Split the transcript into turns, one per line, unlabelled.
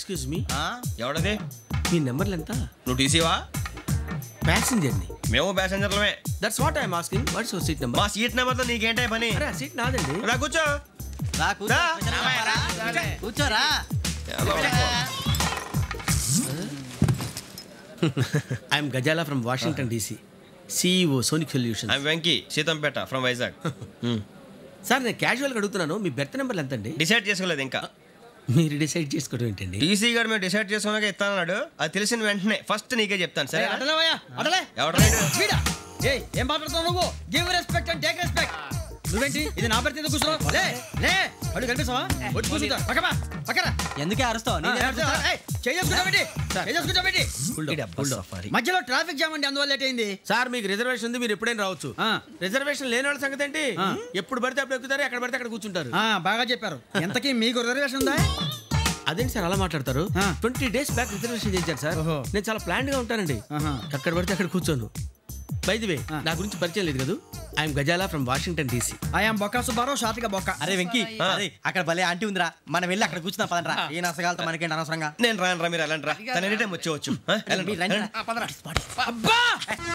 Excuse me,
ఎవడది?
మీ నెంబర్లు ఎంత?
నువ్వు టీసీవా?
ప్యాసింజర్ని.
మేము ప్యాసెంజర్లమే.
That's what I'm asking. What's your seat number?
మా సీట్ నెంబర్తో నీకేంటే పని?
అరే ఆ సీట్ నాదండి.
రా కూర్చో.
కూర్చోరా.
I'm Gazala from Washington DC, CEO Sonic Solutions.
I'm Venky, Seethampeta from Vizag.
Sir నేను క్యాజువల్గా అడుగుతున్నాను, మీ బెర్త్ నెంబర్లు ఎంత అండి?
డిసైడ్ చేసుకోలేదు ఇంకా.
మీరు డిసైడ్ చేసుకోవడం ఏంటండి?
టీసీ గారు మేము డిసైడ్ చేసుకున్నాక ఇస్తానన్నాడు. అది తెలిసిన వెంటనే ఫస్ట్ నీకే చెప్తాను. సరే ఎవరు?
ఏం మాట్లాడుతున్నావు నువ్వు? Give respect and take respect. నువ్వేంటి ఇది నా పరిస్థితి? కూర్చో. లే లే, అడుగు కనిపిస్తావా? వచ్చి కూర్చుంటా. పక్కరా. ఎందుకే అరుస్తావు? మధ్యలో ట్రాఫిక్ జామ్ అండి, అందువల్ల లేట్ అయింది.
సార్ మీకు రిజర్వేషన్ ఉంది, మీరు ఎప్పుడైనా రావచ్చు. రిజర్వేషన్ లేని వాళ్ళ సంగతి ఏంటి? ఎప్పుడు పడితే అప్పుడు ఎక్కుతారు, ఎక్కడ పడితే అక్కడ కూర్చుంటారు.
బాగా చెప్పారు. ఎంతకీ మీకు రిజర్వేషన్ ఉందా?
అదేంటి సార్ అలా మాట్లాడతారు? 20 days బ్యాక్ రిజర్వేషన్ చేయించారు సార్. నేను చాలా ప్లాన్డ్ గా ఉంటానండి. అక్కడ పడితే అక్కడ కూర్చోను. బై ది వే, నా గురించి పరిచయం లేదు కదా. I'm Gazala from Washington DC.
I'm Bokka Subbarao, షార్ట్గా బొక్క.
అరే వెంకీ, అక్కడ భలే ఆంటీ ఉందిరా, మనం వెళ్ళి అక్కడ కూర్చున్నా పదనరా. ఏ నసగాలతో మనకేంటి అనవసరంగా.
నేను రాను రా, మీరు వెళ్ళండి రా. తన ఎనీ టైం వచ్చేవచ్చు.
అబ్బా